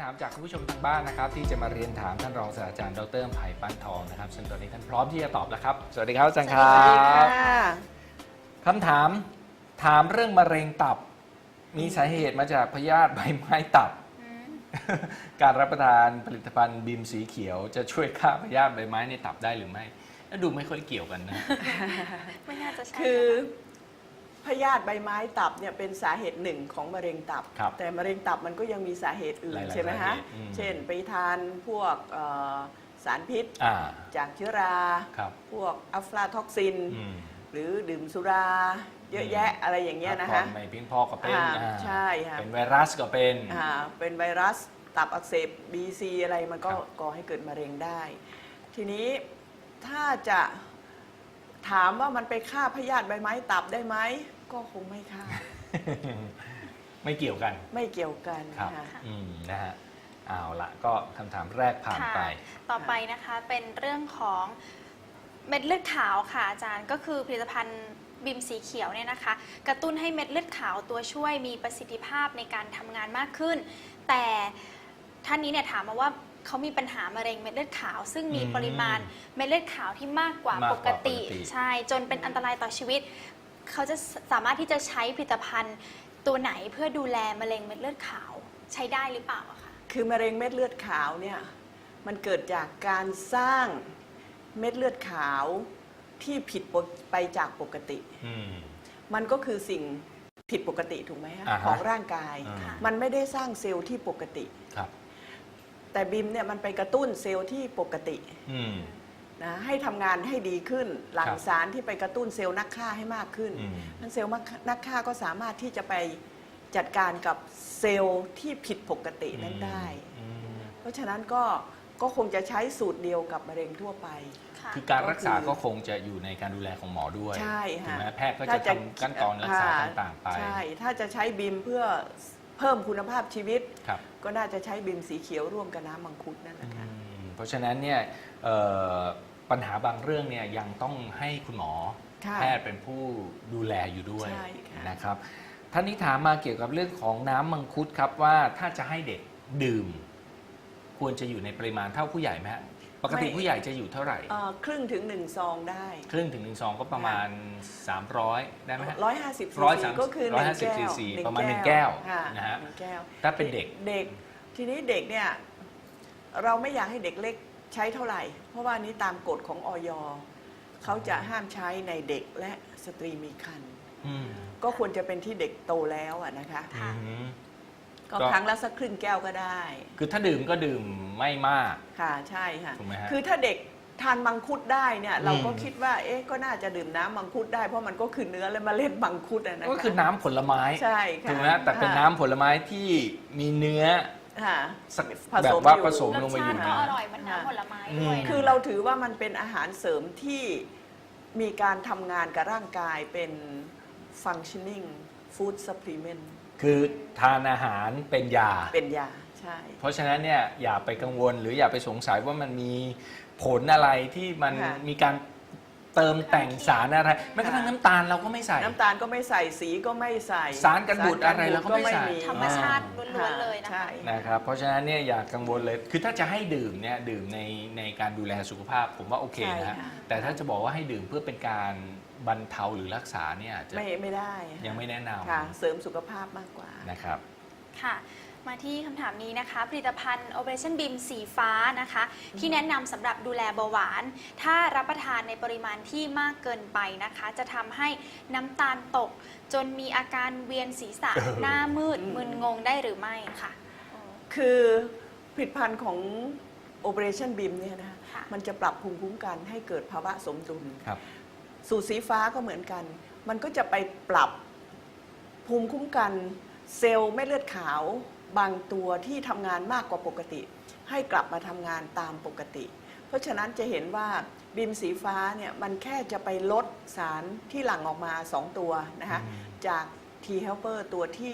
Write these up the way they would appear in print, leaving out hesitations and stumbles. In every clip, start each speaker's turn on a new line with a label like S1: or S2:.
S1: ถามจากคุณผู้ชมทางบ้านนะครับที่จะมาเรียนถามท่านรองศาสตราจารย์ดร.ไผ่ปั้นทองนะครับซึ่งตอนนี้ท่านพร้อมที่จะตอบแล้วครับสวัสดีครับอาจารย์ครับคำถามเรื่องมะเร็งตับมีสาเหตุมาจากพยาธิใบไม้ตับการรับประทานผลิตภัณฑ์บีมสีเขียวจะช่วยฆ่าพยาธิใบไม้ในตับได้หรือไม่ดูไม่ค่อยเกี่ยวกันนะ
S2: ไม่น่าจะใช่
S3: คือพยาธิใบไม้ตับเนี่ยเป็นสาเหตุหนึ่งของมะเร็งตับแต่มะเร็งตับมันก็ยังมีสาเหตุอื่นใช่ไหมฮะเช่นไปทานพวกสารพิษจากเชื้อราพวกอัฟลาท็อกซินหรือดื่มสุราเยอะแยะอะไรอย่างเงี้ยนะฮะ
S1: ไม่เพียงพอก็เป็น
S3: ใช่ค่ะ
S1: เป็นไวรัสก็เป็น
S3: ไวรัสตับอักเสบ BC อะไรมันก็ก่อให้เกิดมะเร็งได้ทีนี้ถ้าจะถามว่ามันไปฆ่าพยาธิใบไม้ตับได้ไหมก็คงไม่ฆ่า
S1: ไม่เกี่ยวกัน
S3: ไม่เกี่ยวกัน
S1: ค่ะนะฮะเอาละก็คำถามแรกผ่านไป
S2: ต่อไปนะคะเป็นเรื่องของเม็ดเลือดขาวค่ะอาจารย์ก็คือผลิตภัณฑ์บิมสีเขียวเนี่ยนะคะกระตุ้นให้เม็ดเลือดขาวตัวช่วยมีประสิทธิภาพในการทำงานมากขึ้นแต่ท่านนี้เนี่ยถามมาว่าเขามีปัญหามะเร็งเม็ดเลือดขาวซึ่งมีปริมาณเม็ดเลือดขาวที่มากกว่าปกติใช่จนเป็นอันตรายต่อชีวิตเขาจะสามารถที่จะใช้ผลิตภัณฑ์ตัวไหนเพื่อดูแลมะเร็งเม็ดเลือดขาวใช้ได้หรือเปล่าคะ
S3: คือมะเร็งเม็ดเลือดขาวเนี่ยมันเกิดจากการสร้างเม็ดเลือดขาวที่ผิดไปจากปกติมันก็คือสิ่งผิดปกติถูกไหมฮะของร่างกายมันไม่ได้สร้างเซลล์ที่ปกติแต่บิมเนี่ยมันไปกระตุ้นเซลล์ที่ปกตินะให้ทำงานให้ดีขึ้นหลั่งสารที่ไปกระตุ้นเซลล์นักฆ่าให้มากขึ้นนั้นเซลล์นักฆ่าก็สามารถที่จะไปจัดการกับเซลล์ที่ผิดปกตินั้นได้เพราะฉะนั้นก็คงจะใช้สูตรเดียวกับมะเร็งทั่วไป
S1: คือการรักษาก็คงจะอยู่ในการดูแลของหมอด้วย
S3: ใช่ค่ะ
S1: แพทย์ก็จะทำขั้นตอนรักษาต่างๆไป
S3: ใช่ถ้าจะใช้บิมเพื่อเพิ่มคุณภาพชีวิตก็น่าจะใช้บิมสีเขียวร่วมกับน้ำมังคุดนั่นแหละค่ะ
S1: เพราะฉะนั้นเนี่ยปัญหาบางเรื่องเนี่ยยังต้องให้คุณหมอแพทย์เป็นผู้ดูแลอยู่ด้วยนะครับท่านนี้ถามมาเกี่ยวกับเรื่องของน้ำมังคุดครับว่าถ้าจะให้เด็กดื่มควรจะอยู่ในปริมาณเท่าผู้ใหญ่ไหมฮะปกติผู้ใหญ่จะอยู่เท่าไหร่
S3: ครึ่งถึง1 ซองได้
S1: ครึ่งถึง1 ซองก็ประมาณ300ได้ไหมฮะ
S3: 150 ซีซีก็คือ
S1: 150 ซีซีประมาณ1 แก้วนะฮะถ้าเป็นเด็ก
S3: ทีนี้เด็กเนี่ยเราไม่อยากให้เด็กเล็กใช้เท่าไหร่เพราะว่านี้ตามกฎของอย.เขาจะห้ามใช้ในเด็กและสตรีมีครรภ์ก็ควรจะเป็นที่เด็กโตแล้วนะคะก็ครั้งละสักครึ่งแก้วก็ได้
S1: คือถ้าดื่มก็ดื่มไม่มาก
S3: ค่ะใช่ค่ะ
S1: ถูกไหมฮะ
S3: คือถ้าเด็กทานมังคุดได้เนี่ยเราก็คิดว่าก็น่าจะดื่มน้ำมังคุดได้เพราะมันก็คือเนื้อและเมล็ดมังคุดนะคะ
S1: ก็คือน้ำผลไม้
S3: ใช่ค่ะ
S1: ถูกไหมแต่เป็นน้ำผลไม้ที่มีเนื้อ
S3: แบบ
S1: ว่าผสมลงไปอยู่
S2: รสชาติก็อร่อยเหมือนน้ำผลไม้ด้วย
S3: คือเราถือว่ามันเป็นอาหารเสริมที่มีการทำงานกับร่างกายเป็น functioning food supplement
S1: คือทานอาหารเป็นยา
S3: ใช่
S1: เพราะฉะนั้นเนี่ยอย่าไปกังวลหรืออย่าไปสงสัยว่ามันมีผลอะไรที่มันมีการเติมแต่งสารอะไรแม้กระทั่งน้ำตาลเราก็ไม่ใส่
S3: น้ำตาลก็ไม่ใส่สีก็ไม่ใส่
S1: สารกันบูดอะไรเราก็ไม่ใส่
S2: ธรรมชาติล้วนๆเลย
S1: นะครับเพราะฉะนั้นเนี่ยอย่ากังวลเลยคือถ้าจะให้ดื่มเนี่ยดื่มในการดูแลสุขภาพผมว่าโอเคนะแต่ถ้าจะบอกว่าให้ดื่มเพื่อเป็นการบรรเทาหรือรักษาเนี่ยจะ
S3: ไม่ได้
S1: ยังไม่แนะน
S3: ำเสริมสุขภาพมากกว่า
S1: นะครับ
S2: ค่ะมาที่คำถามนี้นะคะผลิตภัณฑ์ Operation BIM สีฟ้านะคะที่แนะนำสำหรับดูแลเบาหวานถ้ารับประทานในปริมาณที่มากเกินไปนะคะจะทำให้น้ำตาลตกจนมีอาการเวียนศีรษะหน้ามืดมึนงงได้หรือไม่ค่ะ
S3: คือผลิตภัณฑ์ของ Operation BIM เนี่ยนะคะมันจะปรับภูมิคุ้มกันให้เกิดภาวะสมดุลสูตรสีฟ้าก็เหมือนกันมันก็จะไปปรับภูมิคุ้มกันเซลล์เม็ดเลือดขาวบางตัวที่ทำงานมากกว่าปกติให้กลับมาทำงานตามปกติเพราะฉะนั้นจะเห็นว่าบิมสีฟ้าเนี่ยมันแค่จะไปลดสารที่หลั่งออกมา2 ตัวนะคะจาก T helper ตัวที่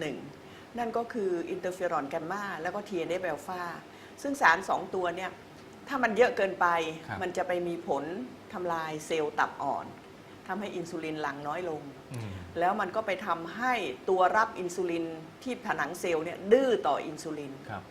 S3: 1นั่นก็คืออินเตอร์เฟอรอนแกมมาแล้วก็ TNF อัลฟาซึ่งสาร2 ตัวเนี่ยถ้ามันเยอะเกินไปมันจะไปมีผลทำลายเซลล์ตับอ่อนทำให้อินซูลินหลั่งน้อยลงแล้วมันก็ไปทำให้ตัวรับอินซูลินที่ผนังเซลล์เนี่ยดื้อต่ออินซูลิน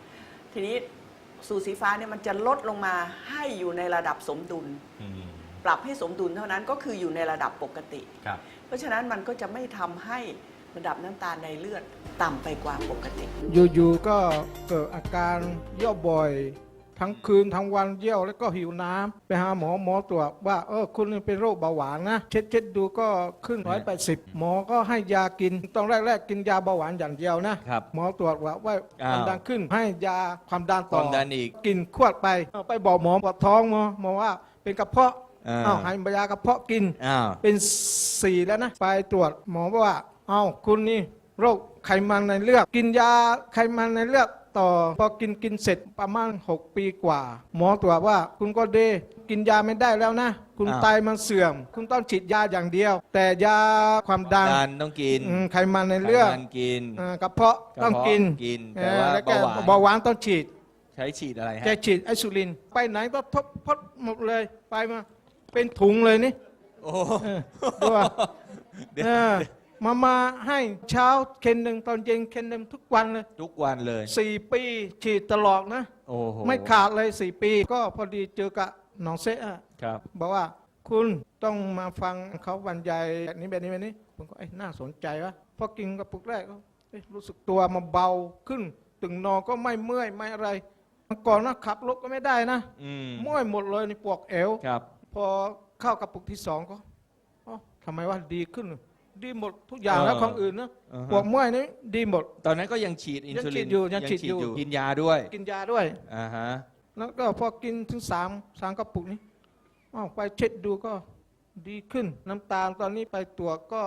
S3: ทีนี้สูตรสีฟ้าเนี่ยมันจะลดลงมาให้อยู่ในระดับสมดุล
S1: อืม
S3: ปรับให้สมดุลเท่านั้นก็คืออยู่ในระดับปกติ
S1: ครับ
S3: เพราะฉะนั้นมันก็จะไม่ทำให้ระดับน้ำตาลในเลือดต่ำไปกว่าปกติ
S4: อยู่ๆก็เกิดอาการเยี่ยวบ่อย ทั้งคืนทั้งวันเยี่ยวแล้วก็หิวน้ำไปหาหมอตรวจว่าคุณเป็นโรคเบาหวานนะเช็ดดูก็ขึ้น180หมอก็ให้ยากินตอนแรกๆกินยาเบาหวานอย่างเดียวนะครับ หมอตรวจว่าความดันขึ้นให้ยาความดัน
S5: ค
S4: ต่อ
S5: วามดันอีก
S4: กินขวดไปบอกหมอปวดท้องหมอว่าเป็นกระเพาะ ให้ยากระเพาะกิน
S5: อ้าว
S4: เป็น4แล้วนะไปตรวจหมอบอกว่าคุณนี่โรคไขมันในเลือดกินยาไขมันในเลือดต่อพอกินเสร็จประมาณ6 ปีกว่า หมอตรวจว่าคุณก็เดกินยาไม่ได้แล้วนะ คุณไตมันเสื่อม คุณต้องฉีดยาอย่างเดียว แต่ยาความดัน
S5: ต้องกิน
S4: ไขมันในเลือด
S5: ไขมันกิน
S4: กระเพาะต้องกิน
S5: กินแต่ว่า
S4: แล้วก็
S5: เบาหวาน
S4: เบาหวานต้องฉีด
S5: ใช้ฉีดอะไรฮะ
S4: แกฉีดไอซูลิน ไปไหนก็ทบพดหมดเลยไปมาเป็นถุงเลยนี่
S5: โอ้
S4: ดูว่า
S5: เดี๋ยว
S4: มาให้เช้าเข็นหนึ่งตอนเย็นเข็นหนึ่งทุกวันเลย
S5: ทุกวันเลย
S4: 4 ปีฉีดตลอดนะ
S5: โอ้โห
S4: ไม่ขาดเลย4 ปี ก็พอดีเจอกับน้องเซะ
S5: ครับ
S4: บอกว่าคุณต้องมาฟังเขาบรรยายแบบนี้ผมก็น่าสนใจวะพอกินกระปุกแรกก็รู้สึกตัวมาเบาขึ้น ตึงนอนก็ไม่เมื่อยไม่อะไรก่อนนะขับรถก็ไม่ได้นะ
S5: อืม
S4: เมื่อยหมดเลยในปวดเอว
S5: ครับ
S4: พอเข้ากระปุกที่2ก็ทำไมว่าดีขึ้น ดีหมดทุกอย่างแล้วของอื่นนะปวดเมื่อยนี่ดีหมด
S5: ตอนนั้นก็ยังฉีดอินซูลิน
S4: ยังฉีดอยู่
S5: กินยาด้วย
S4: กินยาด้วย
S5: อ่าฮะ
S4: แล้วก็พอกินถึง3กระปุกนี้ไปเช็ดดูก็ดีขึ้น น้ำตาลตอนนี้ไปตรวจก็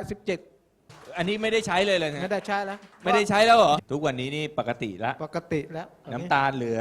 S4: 87
S5: อันนี้ไม่ได้ใช้เลยนะ
S4: ไม่ได้ใช้แล้ว
S5: ไม่ได้ใช้แล้วเหรอ ทุกวันนี้นี่ปกติละ
S4: ปกติแล้ว
S5: น้ำตาลเหลือ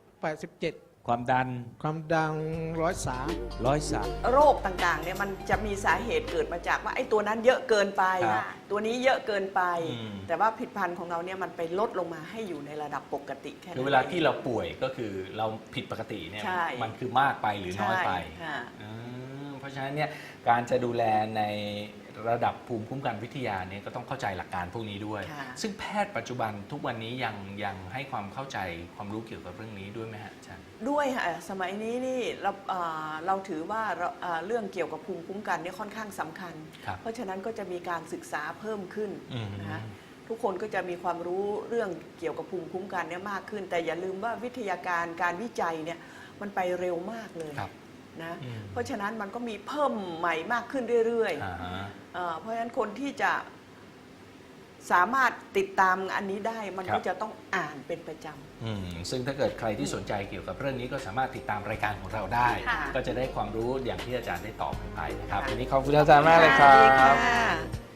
S4: 87
S5: ความดัน
S4: ความดัง103
S5: 103
S3: โรคต่างๆเนี่ยมันจะมีสาเหตุเกิดมาจากว่าไอ้ตัวนั้นเยอะเกินไป
S5: ครับ
S3: ตัวนี้เยอะเกินไป
S5: อืม
S3: แต่ว่าผลิตภัณฑ์ของเราเนี่ยมันไปลดลงมาให้อยู่ในระดับปกติแค่นั้น
S1: คือเวลาที่เราป่วยก็คือเราผิดปกติเนี่ย
S3: ใช่
S1: มันคือมากไปหรือน้อยไป
S3: ใช่ค่ะ
S1: เพราะฉะนั้นเนี่ยการจะดูแลในระดับภูมิคุ้มกันวิทยาเนี่ยก็ต้องเข้าใจหลักการพวกนี้ด้วย
S3: ค่ะ
S1: ซึ่งแพทย์ปัจจุบันทุกวันนี้ยังให้ความเข้าใจความรู้เกี่ยวกับเรื่องนี้ด้วยไหมฮะอาจารย์
S3: ด้วยค่ะสมัยนี้นี่เราถือว่าเรื่องเกี่ยวกับภูมิคุ้มกันเนี่ยค่อนข้างสำคัญ
S1: ครับ
S3: เพราะฉะนั้นก็จะมีการศึกษาเพิ่มขึ้น
S1: อืม
S3: นะคะทุกคนก็จะมีความรู้เรื่องเกี่ยวกับภูมิคุ้มกันเนี่ยมากขึ้น แต่อย่าลืมว่าวิทยาการการวิจัยเนี่ยมันไปเร็วมากเลย
S1: ครับ
S3: นะ
S1: อืม
S3: เพราะฉะนั้นมันก็มีเพิ่มใหม่มากขึ้นเรื่อย
S1: อ่าฮะ
S3: ๆเพราะฉะนั้นคนที่จะสามารถติดตามอันนี้ได้มัน
S1: ครั
S3: ก็
S1: บ
S3: จะต้องอ่านเป็นประจำ
S1: ซึ่งถ้าเกิดใครที่สนใจเกี่ยวกับเรื่องนี้ก็สามารถติดตามรายการของเราได้
S2: ค่ะ
S1: ก็จะได้ความรู้อย่างที่อาจารย์ได้ตอบไปนะครับ
S3: ค่ะ
S1: วันนี้ขอบคุณอาจารย์มากเลยครั
S3: สวัสดี
S1: บ
S3: ค่ะ